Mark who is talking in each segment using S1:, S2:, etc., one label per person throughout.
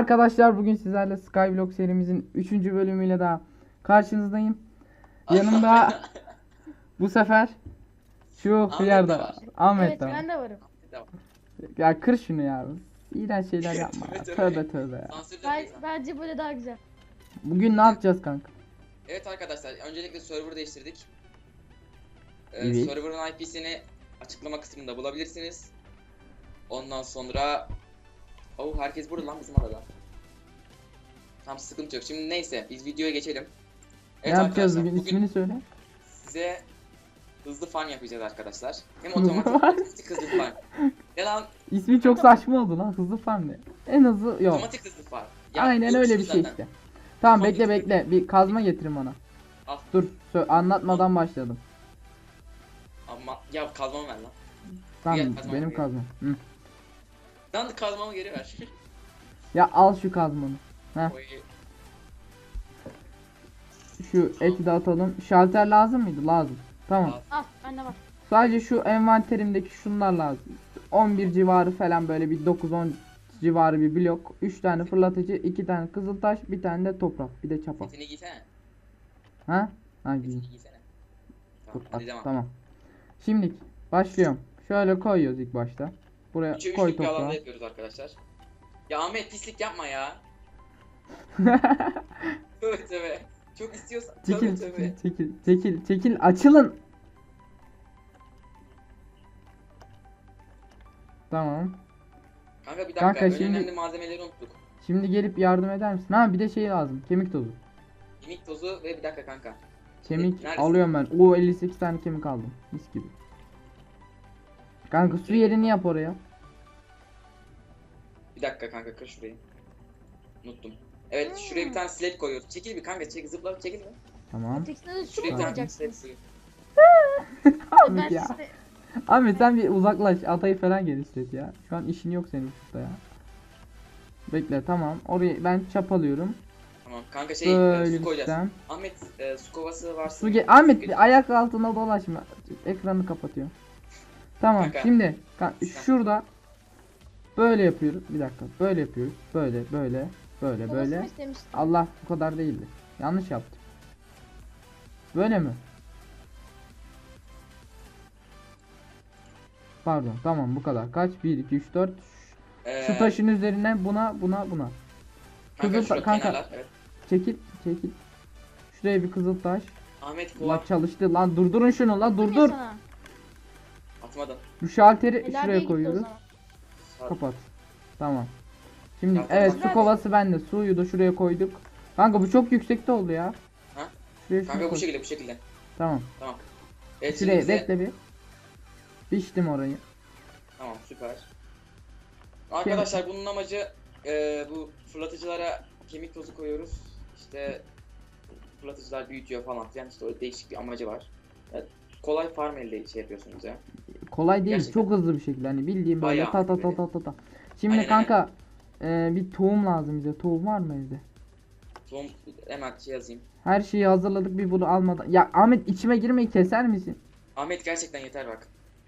S1: Merhaba arkadaşlar, bugün sizlerle Skyblock serimizin 3. bölümüyle daha karşınızdayım. Yanımda bu sefer şu
S2: Ahmet de
S1: hıyarda
S2: var.
S1: Ahmet
S3: Evet
S1: de var.
S3: ben de varım.
S2: Tamam.
S1: Ya kır şunu ya. İğrenç şeyler yapma ya.
S2: Tövbe
S1: Tövbe tövbe ya.
S2: Sansürle
S3: Ben,
S2: koysan.
S3: bence böyle daha güzel.
S1: Bugün ne yapacağız kanka?
S2: Evet arkadaşlar, öncelikle server değiştirdik.
S1: Evet.
S2: Server'ın IP'sini açıklama kısmında bulabilirsiniz. Ondan sonra... herkes burada lan bizim arada. Tam sıkıntı yok. Şimdi neyse, biz videoya geçelim.
S1: Ne yapacağız
S2: arkadaşlar,
S1: bugün? İsmini söyle.
S2: size hızlı farm yapacağız arkadaşlar. Hem otomatik hem hızlı farm. Ya lan
S1: İsmi çok saçma oldu lan. Hızlı farm ne? En hızlı yok.
S2: otomatik hızlı farm. Ya,
S1: Aynen
S2: yok
S1: öyle bir şey
S2: zaten.
S1: işte. Tamam
S2: Otomatik
S1: bekle. Bir kazma getirin bana.
S2: Al.
S1: Dur anlatmadan başladım.
S2: Ama ya kazmamı ver lan.
S1: Tamam
S2: Gel, kazma
S1: benim
S2: buraya.
S1: kazmam. Hı.
S2: Lan kazmamı geri ver.
S1: Ya al şu kazmanı. Heh.
S2: Oy.
S1: Şu eti de atalım. Şalter lazım mıydı? Lazım. Tamam.
S3: Al bende var.
S1: Sadece şu envanterimdeki şunlar lazım. 11 civarı falan, böyle bir 9-10 civarı bir blok. 3 tane fırlatıcı, 2 tane kızıltaş, bir tane de toprak, bir de çapa.
S2: Setini giysene.
S1: Ha? Ha giyin.
S2: Setini giysene.
S1: Dur,
S2: Tamam, hadi devam.
S1: tamam. Şimdi başlıyorum. Şöyle koyuyoruz ilk başta. Buraya
S2: 3'e
S1: koy
S2: 3'lük bir alanda
S1: toprağı.
S2: yapıyoruz arkadaşlar. Ya Ahmet pislik yapma ya. Tövbe tövbe. Çok istiyorsan. Tövbe
S1: Çekil,
S2: tövbe.
S1: çekil, açılın. Tamam.
S2: Kanka bir dakika.
S1: Kanka,
S2: en
S1: şimdi-
S2: önemli malzemeleri unuttuk.
S1: Şimdi gelip yardım eder misin? Ha bir de şey lazım. Kemik tozu.
S2: Kemik tozu ve bir dakika kanka.
S1: Kemik
S2: Neredesin?
S1: alıyorum ben. Oo 58 tane kemik aldım. Mis gibi. Kanka su yerini yap oraya.
S2: Bir dakika kanka kır şurayı. Unuttum. Evet şuraya bir tane slab koyuyoruz. Çekil bir kanka çekil çekil mi?
S1: Tamam.
S3: Tekstine de su
S2: Şuraya
S3: mu
S2: bir tane slab
S3: koyacaksınız?
S2: koyuyoruz.
S3: Ben
S1: Ahmet ya.
S3: size...
S1: Ahmet sen bir uzaklaş. Atayı falan genişlet ya. Şu an işin yok senin şurada ya. Bekle, tamam. Orayı ben çapalıyorum.
S2: Tamam kanka su
S1: Böyle
S2: koyacağız.
S1: sistem.
S2: Ahmet su kovası varsa.
S1: Ahmet bir ayak altına dolaşma. Ekranı kapatıyorum. Tamam
S2: Kanka.
S1: şimdi şurada böyle yapıyoruz. Bir dakika. Böyle yapıyoruz. Böyle.
S3: Kovasını mı istemiştin?
S1: Allah, bu kadar değildi. Yanlış yaptım. Böyle mi? Pardon, tamam bu kadar. Kaç? 1 2 3 4. Şu taşın üzerine buna.
S2: Kanka,
S1: Kızıl
S2: şurada
S1: kanka
S2: kenarlar, evet.
S1: çekil. Şuraya bir kızıl taş.
S2: Ahmet
S1: Lan
S2: kova
S1: çalıştı lan, durdurun şunu lan,
S3: Değil mi
S1: durdur.
S3: sana?
S2: atmadım.
S1: Bu şalteri
S3: Helal
S1: şuraya
S3: Bey gitti o
S1: koyuyoruz.
S3: zaman.
S1: Kapat. Tamam. Şimdi
S2: Tamam,
S1: evet,
S2: tamam.
S1: su kovası bende. Suyu da şuraya koyduk. Kanka bu çok yüksekte oldu ya.
S2: Ha?
S1: Şuraya şunu
S2: Kanka
S1: koy.
S2: bu şekilde.
S1: Tamam.
S2: Tamam. Evet şimdi
S1: Şuraya
S2: bize...
S1: bekle bir. Biçtim orayı.
S2: Tamam süper. Arkadaşlar bunun amacı bu fırlatıcılara kemik tozu koyuyoruz. İşte fırlatıcılar büyütüyor falan filan, işte öyle değişik bir amacı var. Evet, kolay farm elde şey yapıyorsunuz ya.
S1: Kolay değil,
S2: Gerçekten.
S1: çok hızlı bir şekilde, hani bildiğim böyle
S2: Bayağı
S1: ta ta
S2: böyle.
S1: ta. Şimdi
S2: Aynen,
S1: kanka bir tohum lazım bize. Tohum var mı evde?
S2: Son hemen şey yazayım.
S1: Her şeyi hazırladık, bir bunu almadan. Ya Ahmet, içime girmeyi keser misin?
S2: Ahmet gerçekten yeter bak.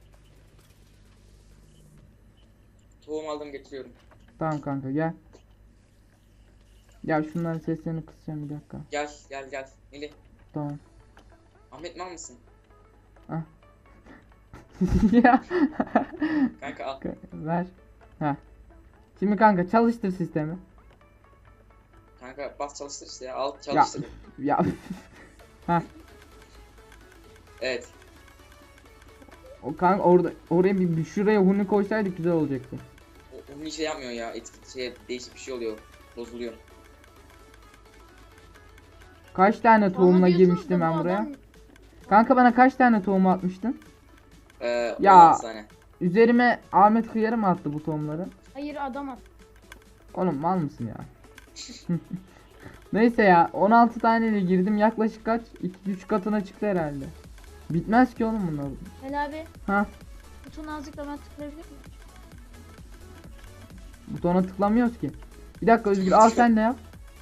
S2: Tohum aldım getiriyorum.
S1: Tamam kanka, gel. Ya şunların seslerini kısacağım, bir dakika.
S2: Gel. Nili.
S1: Tamam.
S2: Ahmet mal mısın?
S1: Ya.
S2: Kanka al.
S1: Ver. Ha. Şimdi kanka çalıştır sistemi.
S2: Kanka bas çalıştır işte ya. Al çalıştır.
S1: Ya. Ha.
S2: Evet.
S1: O kanka oraya bir şuraya huni koysaydık güzel olacaktı.
S2: Onun şey yapmıyor ya. Etki değişik bir şey oluyor. Bozuluyor.
S1: Kaç tane
S3: Bana
S1: tohumla
S3: diyorsunuz
S1: girmiştim
S3: da
S1: ben
S3: bu
S1: buraya?
S3: adam-
S1: Kanka bana kaç tane tohum atmıştın? Ya.
S2: 16 tane.
S1: Üzerime Ahmet Kıyarı mı attı bu tohumları?
S3: Hayır adam at.
S1: Oğlum mal mısın ya? Neyse ya, 16 taneyle girdim, yaklaşık kaç? 2-3 katına çıktı herhalde. Bitmez ki oğlum bunlar.
S3: Helal abi.
S1: Ha,
S3: Butona azıcık ben tıklayabilir miyim?
S1: butona tıklamıyoruz ki. Bir dakika Özgür, al sen de yap.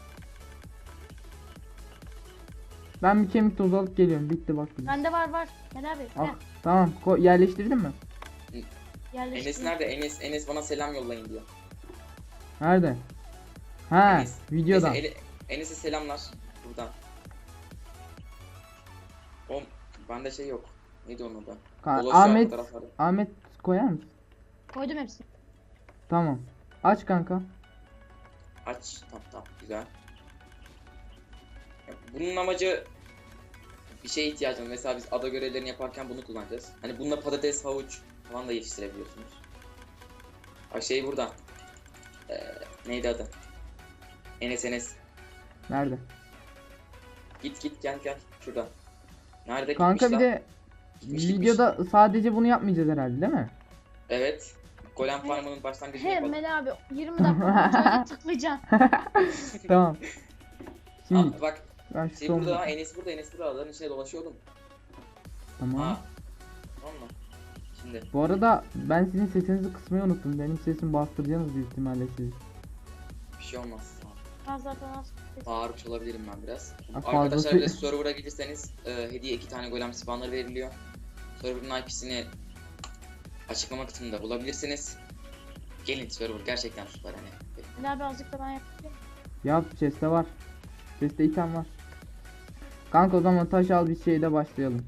S1: Ben bir kemik tozu alıp geliyorum. Bitti bak.
S3: Bende var. Helal abi.
S1: Al.
S3: Gel.
S1: Tamam, yerleştirdin mi?
S3: Yerleştir.
S2: Enes nerede? Enes bana selam yollayın diyor.
S1: Nerede? Ha,
S2: Enes.
S1: videodan.
S2: Neyse, Enes'e selamlar buradan. O bende şey yok. Neydi onun adı? Dolaşıyor
S1: Ahmet
S2: fotoğrafları.
S1: Ahmet koyar mısın?
S3: Koydum hepsini.
S1: Tamam. Aç kanka.
S2: Aç. Tamam güzel. Ya, bunun amacı bir şeye ihtiyacım. Mesela biz ada görevlerini yaparken bunu kullanacağız. Hani bununla patates, havuç falan da yetiştirebiliyorsunuz. Bak şey burada. Neydi adı? Enes.
S1: Nerede?
S2: Git gel şurada. Nerede
S1: Kanka
S2: gitmiş
S1: bir
S2: lan?
S1: de
S2: Gitmiş.
S1: videoda sadece bunu yapmayacağız herhalde değil mi?
S2: Evet. Golem Farm'ın başlangıcını
S3: He
S2: yapalım.
S3: Mel abi 20 dakika boyunca tıklayacaksın.
S1: Tamam. Şimdi
S2: Aa, bak
S1: ben şu
S2: şey
S1: son...
S2: burada, Enes burada adaların içine dolaşıyordum.
S1: Tamam.
S2: Tamam mı? Şimdi
S1: Bu arada ben sizin sesinizi kısmayı unuttum. Benim sesimi bastıracaksınız büyük ihtimalle siz.
S2: bir şey olmaz.
S3: Ben zaten az
S2: Bağırmış olabilirim ben biraz.
S1: fazlası-
S2: Arkadaşlar bir de server'a gelirseniz hediye 2 tane golem spawnları veriliyor. Server'ın IP'sini açıklama kısmında bulabilirsiniz. Gelin server gerçekten süper hani.
S3: Mel abi azıcık da ben yapayım.
S1: Yap, chest'te var. Chest'te item var. Kanka o zaman taş al, bir şeyde başlayalım.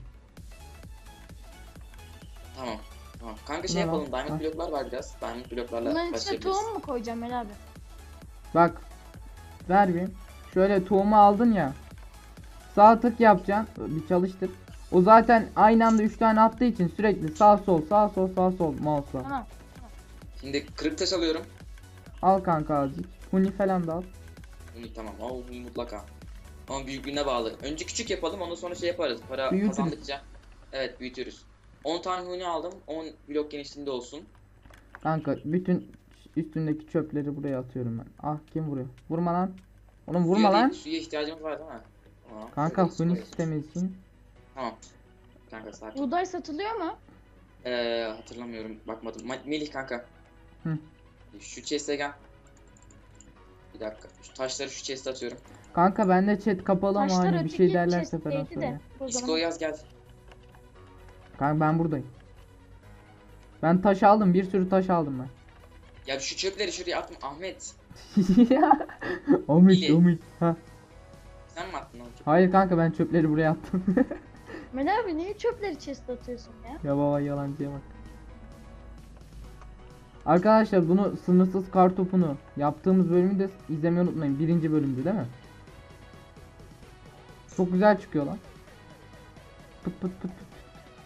S2: Tamam. Kanka
S1: Ne
S2: şey yapalım.
S1: lan?
S2: Diamond
S1: Ha.
S2: bloklar var biraz. Diamond bloklarla
S3: Bunların içine
S2: başlayabiliriz.
S3: tohum mu koyacağım Mel abi?
S1: Bak. Ver bir. Şöyle tohumu aldın ya. Sağ tık yapacaksın. Bir çalıştır. O zaten aynı anda 3 tane attığı için sürekli sağ sol mouse'la.
S3: Tamam.
S2: Şimdi kırık taş alıyorum.
S1: Al kanka azıcık. Huni falan da al.
S2: Tamam. Bunu mutlaka. Ama büyüklüğüne bağlı. Önce küçük yapalım, ondan sonra şey yaparız. Para
S1: Büyütürüz.
S2: kazandıkça. Evet, büyütürüz. 10 tane huni aldım. 10 blok genişliğinde olsun.
S1: Kanka bütün üstündeki çöpleri buraya atıyorum ben. Ah, kim vuruyor? Vurma lan. Oğlum vurma
S2: Suya
S1: lan.
S2: değil, suya ihtiyacımız var değil mi? Tamam.
S1: Kanka
S2: Şurada su
S1: huni
S2: koyalım.
S1: sistemi için.
S2: Tamam. Kanka sakin.
S3: Buğday satılıyor mu?
S2: Hatırlamıyorum. Bakmadım. Melih kanka.
S1: Hı.
S2: Şu chest'e gel. Bir dakika. Şu taşları şu chest'e atıyorum.
S1: Kanka bende chat kapalı ama
S3: Taşlar
S1: hani bir
S3: öteki
S1: şey derlerse falan
S3: chest'teydi
S1: söyle.
S3: de. O
S2: Disco
S3: zaman
S2: yaz gel.
S1: Kanka ben buradayım. Ben taş aldım, bir sürü taş aldım ben.
S2: Ya şu çöpleri şuraya atma Ahmet.
S1: Omit
S2: İyi.
S1: omit. Ha.
S2: Sen mi attın onu?
S1: Hayır kanka, ben çöpleri buraya attım.
S3: Mel abi niye çöpleri chest'e atıyorsun ya?
S1: Ya baba, yalancıya bak. Arkadaşlar bunu sınırsız kartopunu yaptığımız bölümü de izlemeyi unutmayın. Birinci bölümdü değil mi? Çok güzel çıkıyor lan. Pıt pıt pıt pıt.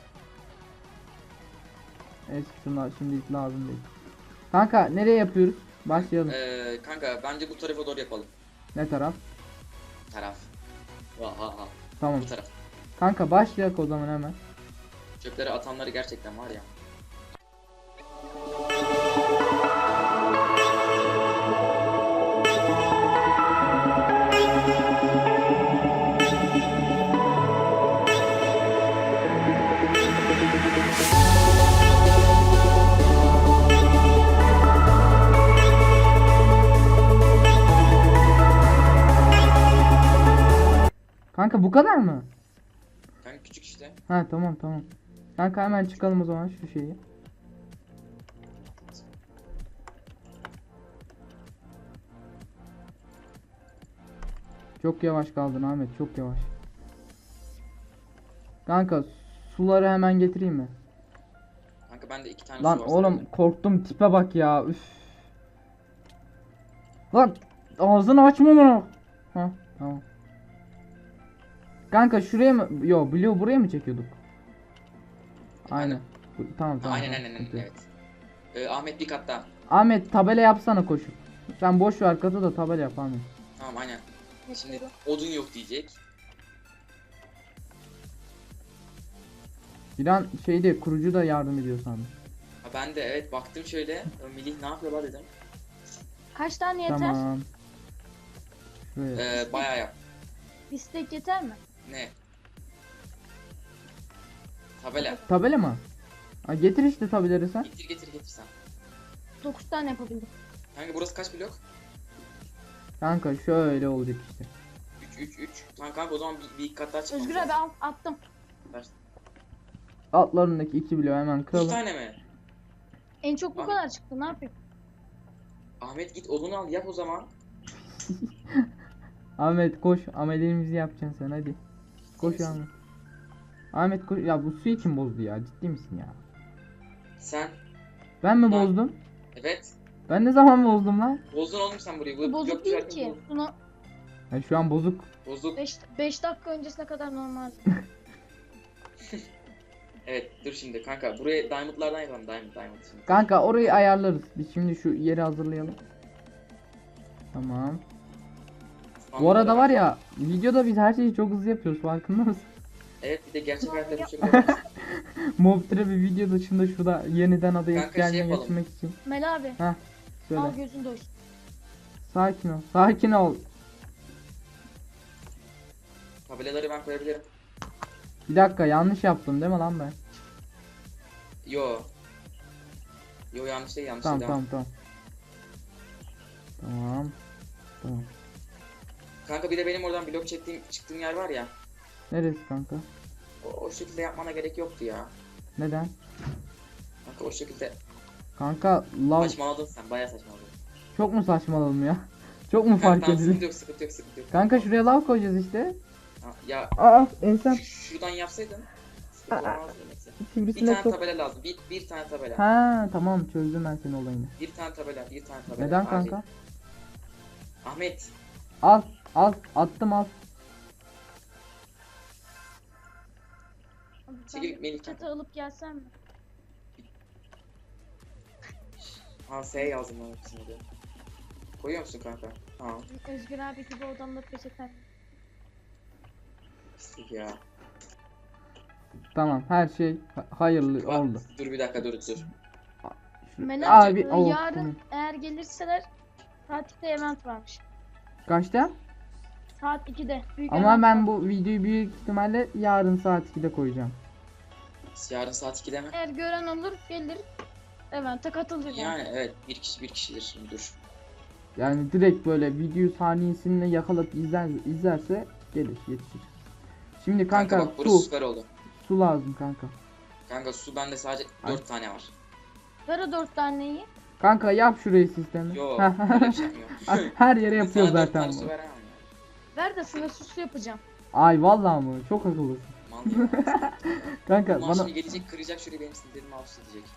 S1: Evet, şunlar şimdi lazım değil. Kanka nereye yapıyoruz? Başlayalım.
S2: Kanka bence bu tarafa doğru yapalım.
S1: Ne taraf?
S2: Taraf. Vaha.
S1: Tamam.
S2: Bu taraf.
S1: Kanka başlayak o zaman hemen.
S2: Çöpleri atanları gerçekten var ya.
S1: Kanka bu kadar mı?
S2: Kanka küçük işte.
S1: Ha, tamam. Kanka hemen çıkalım o zaman şu şeyi. Çok yavaş kaldın Ahmet, çok yavaş. Kanka suları hemen getireyim mi?
S2: Kanka bende 2 tane
S1: Lan
S2: su var
S1: oğlum
S2: sadece.
S1: korktum, tipe bak ya, üf. Lan ağzını açma bunu. Ha, tamam. Kanka şuraya mı? Yo, Blue buraya mı çekiyorduk? Aynen. Tamam.
S2: Aynen
S1: sıkıntı yok.
S2: evet. Ahmet bir kat daha.
S1: Ahmet tabela yapsana koşup. Sen boş ver katı da tabela yap Ahmet.
S2: Tamam aynen. Şimdi
S3: Yapıyorum.
S2: odun yok diyecek.
S1: Bir an şeyde kurucu da yardım ediyor sandım.
S2: Ha ben de evet baktım şöyle. Melih ne yapıyorlar dedim.
S3: Kaç tane yeter?
S1: Tamam. Şuraya.
S2: Bayağı yap.
S3: Bir steak yeter mi?
S2: Ne? Tabela.
S1: Tabela mı? Ha, getir işte tabeleri sen.
S2: Getir sen.
S3: 9 tane yapabildim.
S2: Kanka burası kaç blok?
S1: Kanka şöyle olacak işte.
S2: 3. Tamam kanka o zaman bir iki kat daha çıkmamız
S3: Özgür abi
S2: lazım.
S3: attım.
S1: Altlarındaki 2 bloğu hemen
S2: 2
S1: kıralım.
S2: tane mi?
S3: En çok bu
S2: Abi.
S3: kadar çıktı, ne yapayım?
S2: Ahmet git odunu al yap o zaman.
S1: Ahmet koş. Ameliyemizi yapacaksın sen hadi. Koş
S2: misin?
S1: Ahmet. Ahmet koş. Ya bu suyu kim bozdu ya? Ciddi misin ya?
S2: Sen.
S1: Ben mi
S2: Ben-
S1: bozdum?
S2: Evet.
S1: Ben ne zaman bozdum lan?
S2: Bozdun oğlum sen burayı.
S3: Bu bozuk
S2: blok
S3: değil
S2: düzelttin,
S3: ki. Bunu
S1: Ya şu an bozuk.
S2: Bozuk.
S3: 5 dakika öncesine kadar normal.
S2: Evet dur şimdi kanka. Buraya diamondlardan yapalım. Diamond şimdi.
S1: Kanka orayı ayarlarız. Biz şimdi şu yeri hazırlayalım. Tamam. Bu arada var ya videoda biz her şeyi çok hızlı yapıyoruz farkında mısın?
S2: Evet bir de gerçek hayatta bu şekilde yaparsın.
S1: Mob bir video dışında şurada yeniden adaya
S2: Kanka, şey
S1: gelme
S2: yapalım.
S1: getirmek için.
S3: Mel abi.
S1: Söyle.
S3: Al gözün doysun.
S1: Sakin ol. Sakin ol.
S2: Tabelaları ben koyabilirim.
S1: Bir dakika yanlış yaptım değil mi lan ben?
S2: Yo. Yo yanlış değil yanlış
S1: Tamam
S2: değil. Devam.
S1: tamam tamam. Tamam. Tamam.
S2: Kanka bir de benim oradan blok çıktığım yer var ya.
S1: Neresi kanka?
S2: O şekilde yapmana gerek yoktu ya.
S1: Neden?
S2: Kanka o şekilde
S1: Kanka lav
S2: saçmaladın sen. Bayağı saçmaladın.
S1: çok mu saçmaladım ya? Çok mu
S2: Kanka,
S1: fark
S2: tamam,
S1: edildi?
S2: sıkıntı yok sıkıntı yok sıkıntı yok.
S1: Kanka şuraya lav koyacağız işte.
S2: Ha, ya
S1: Aa ensem.
S2: şuradan yapsaydın. Sıkıntı olmazdı neyse. Bir
S1: Sivrisinek
S2: tane
S1: çok.
S2: tabela lazım. Bir tane tabela.
S1: Ha tamam çözdüm ben senin olayını.
S2: Bir tane tabela. Bir tane tabela.
S1: Neden
S2: Acil.
S1: kanka?
S2: Ahmet.
S1: Al al attım al.
S3: Abi
S2: Çekil,
S3: ben
S2: Melih
S3: çatı
S2: kanka.
S3: alıp gelsem mi?
S2: Ha S yazdım lan hepsini de. Koyuyor musun kanka? Tamam.
S3: Özgür abi gibi odamda peçeten.
S2: Pislik ya.
S1: Tamam her şey hayırlı
S2: Bak,
S1: oldu.
S2: dur bir dakika dur.
S1: Şu-
S3: Mel abi,
S1: Abi oh,
S3: yarın
S1: tamam.
S3: eğer gelirseler saat 2'de event varmış.
S1: Kaçta?
S3: Saat 2'de. Büyük
S1: Ama
S3: event
S1: ben
S3: var.
S1: bu videoyu büyük ihtimalle yarın saat 2'de koyacağım.
S2: Yarın saat 2'de mi?
S3: Eğer gören olur gelir event'e katılır yani.
S2: Yani evet bir kişidir şimdi dur.
S1: Yani direkt böyle video saniyesinde yakalayıp izlerse gelir yetişir. Şimdi kanka,
S2: Kanka bak burası
S1: su
S2: süper oldu.
S1: su lazım kanka.
S2: Kanka su bende sadece
S1: Ay.
S2: 4 tane var.
S3: Ver o 4 taneyi.
S1: Kanka yap şurayı sistemi.
S2: Yo öyle bir şey yapmıyor.
S1: Her yere
S2: Bir
S1: yapıyor
S2: tane 4
S1: zaten
S2: tane su
S1: bu.
S2: veremem ya.
S3: Ver de sınırsız su yapacağım.
S1: Ay vallahi mı? Çok akıllısın.
S2: Mal ya.
S1: Kanka
S2: Ulan
S1: bana
S2: şimdi gelecek kıracak şurayı benim sinirlerimi alt üst edecek.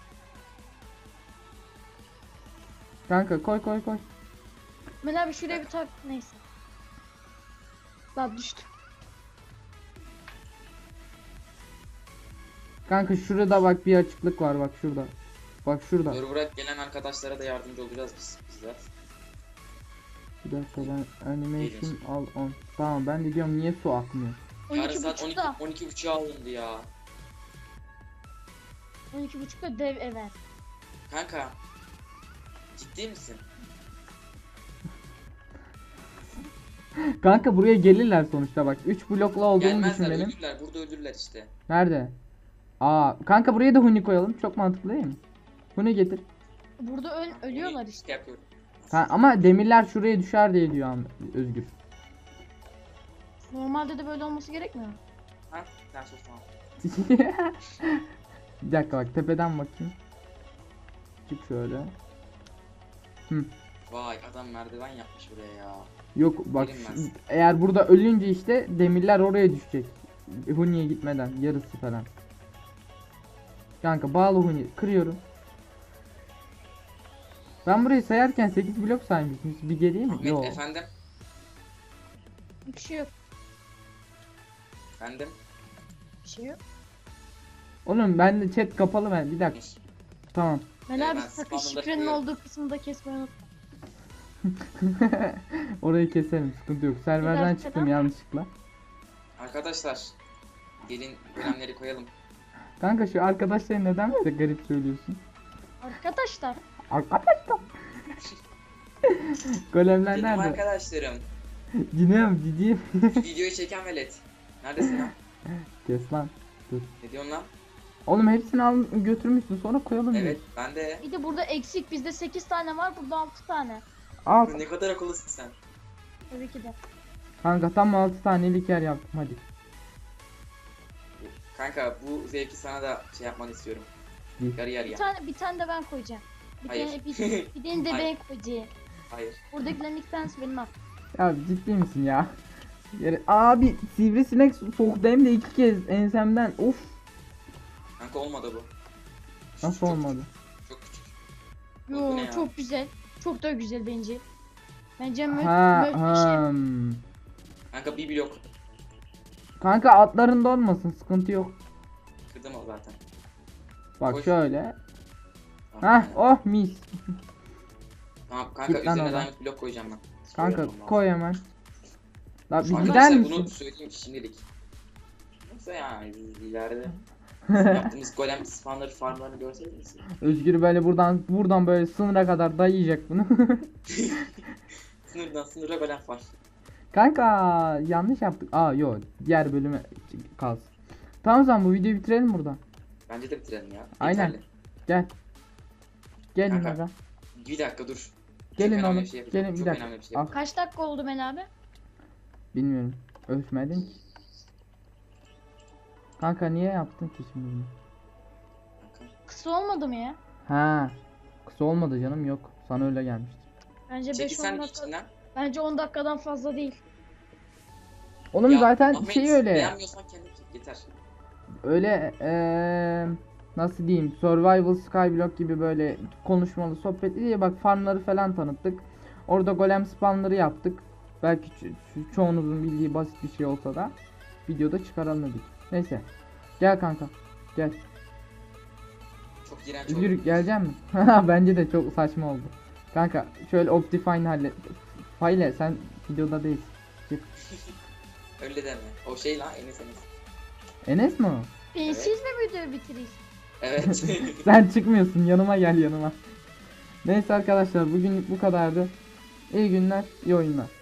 S1: kanka koy.
S3: Mel abi şuraya bir tak. Neyse. Daha düştü.
S1: Kanka şurada bak bir açıklık var bak şurada. Bak şurada.
S2: Dur bırak gelen arkadaşlara da yardımcı olacağız biz bizzat.
S1: Bir dakika ben animation al on. Tamam ben de diyorum niye su akmıyor?
S2: Yarın saat
S3: 12.30'da.
S2: 12.30'a alındı ya.
S3: 12.30'da dev event.
S2: Kanka. Ciddi misin?
S1: Kanka buraya gelirler sonuçta bak. 3 blokla olduğunu düşün
S2: Gelmezler
S1: benim.
S2: ölürler burada ölürler işte.
S1: Nerede? Aa kanka buraya da huni koyalım. Çok mantıklı değil mi? Huni getir.
S3: Burada ölüyorlar işte.
S2: İşte yapıyorum.
S1: Ha, ama demirler şuraya düşer diye diyor Özgür.
S3: Normalde de böyle olması gerekmiyor mu?
S2: Ha? Sen sus tamam.
S1: Bir dakika bak tepeden bakayım. Çık şöyle.
S2: Vay adam merdiven yapmış buraya ya.
S1: Yok bak
S2: Bilinmez.
S1: eğer burada ölünce işte demirler oraya düşecek. Huni'ye gitmeden yarısı falan. Kanka bağlı Huni kırıyorum. Ben burayı sayarken 8 blok saymışım. Bir geriye mi?
S2: Ahmet
S1: Yok.
S2: efendim.
S3: Bir şey yok.
S2: Efendim.
S3: Bir şey yok.
S1: Oğlum ben de chat kapalı ben. Bir dakika. Tamam.
S3: Mel abi
S2: ben
S3: sakın
S2: spamları
S3: şifrenin
S2: koyuyorum.
S3: olduğu kısmı da kesmeyi unutma.
S1: Orayı keselim. Sıkıntı yok. Serverden
S3: dakika,
S1: çıktım
S3: tamam.
S1: yanlışlıkla.
S2: Arkadaşlar. Gelin golemleri koyalım.
S1: Kanka şu arkadaşları neden bize garip söylüyorsun?
S3: Arkadaşlar.
S1: Arkadaşlar. Golemler
S2: Benim
S1: nerede?
S2: arkadaşlarım.
S1: Ciddiyim ciddiyim.
S2: Videoyu çeken velet. Neredesin lan?
S1: Kes lan.
S2: Ne diyorsun lan?
S1: Oğlum hepsini al götürmüşsün sonra koyalım
S2: Evet
S1: diyor.
S2: ben de.
S3: Bir de burada eksik. Bizde 8 tane var. Burada 6 tane.
S1: Al.
S2: Ne kadar akıllısın sen.
S3: Tabii ki de.
S1: Kanka tam 6 tanelik yer yaptım hadi.
S2: Kanka bu zevki sana da şey yapmanı istiyorum.
S1: İyi.
S2: Yarı yarıya.
S3: Bir tane de ben koyacağım. Bir
S2: Hayır.
S3: tane bir tane de ben
S2: Hayır.
S3: koyacağım.
S2: Hayır.
S3: Buradakilerin 2 tanesi benim al.
S1: Ya ciddi misin ya? Abi sivrisinek soktu hem de 2 kez ensemden. Of,
S2: Kanka olmadı bu.
S1: nasıl
S2: Çok
S1: olmadı?
S2: küçük, çok küçük.
S3: Yo
S2: Bu ne ya?
S3: çok güzel. Çok da güzel bence. Bence
S1: Ha,
S3: muhteşem.
S2: Kanka bir blok.
S1: Kanka atların donmasın, sıkıntı yok.
S2: Kırdım o zaten.
S1: Bak
S2: Koş.
S1: şöyle.
S2: Tamam,
S1: Hah, oh mis.
S2: Tamam kanka
S1: Git lan
S2: üzerine
S1: oradan.
S2: diamond blok koyacağım ben.
S1: Kanka
S2: Koyuyorum ben.
S1: koy hemen. La bir gider
S2: Arkadaşlar bunu
S1: misin?
S2: söyleyeyim şimdilik. Yoksa yani ileride yaptığımız golem spawner farmlarını görseydiniz.
S1: Özgür böyle buradan böyle sınıra kadar dayayacak bunu.
S2: Sınırdan sınıra golem farm.
S1: Kanka yanlış yaptık. Aa yok, diğer bölüme kalsın. Tamam, o zaman bu videoyu bitirelim burada.
S2: Bence de bitirelim ya.
S1: Aynen.
S2: Yeterli.
S1: Gel. Gelin
S2: Kanka,
S1: aga.
S2: Bir dakika dur.
S1: Gelin
S2: Çok önemli
S1: oğlum.
S2: bir şey yapacağım.
S1: Gelin bir
S2: Çok
S1: dakika.
S2: önemli bir şey
S1: Al.
S2: yapacağım.
S3: Kaç dakika oldu Mel abi?
S1: Bilmiyorum. Ölçmedim ki. Kanka niye yaptın ki şimdi bunu?
S2: Kanka.
S3: Kısa olmadı mı ya?
S1: Ha. Kısa olmadı canım, yok. Sana öyle gelmiştir.
S3: Bence 5-10
S2: Çekilsen
S3: dakika.
S2: içinden.
S3: Bence 10 dakikadan fazla değil.
S1: Oğlum
S2: Ya,
S1: zaten
S2: Ahmet,
S1: şey öyle.
S2: Beğenmiyorsan kendin çek yeter.
S1: Öyle nasıl diyeyim, Survival Skyblock gibi böyle konuşmalı sohbetli diye bak, farmları falan tanıttık. Orada golem spawnları yaptık. Belki çoğunuzun bildiği basit bir şey olsa da videoda çıkaralım dedik. Neyse. Gel kanka. Gel.
S2: Çok iğrenç oldu.
S1: Özgür gelecek mi? Bence de çok saçma oldu. Kanka şöyle Optifine hallet. Fayle sen videoda değilsin. Çık.
S2: Öyle deme. O şey lan Enes.
S1: Enes mi o?
S3: Siz mi videoyu bitiriyorsunuz?
S2: Evet.
S1: Sen çıkmıyorsun, yanıma gel yanıma. Neyse arkadaşlar, bugünlük bu kadardı. İyi günler, iyi oyunlar.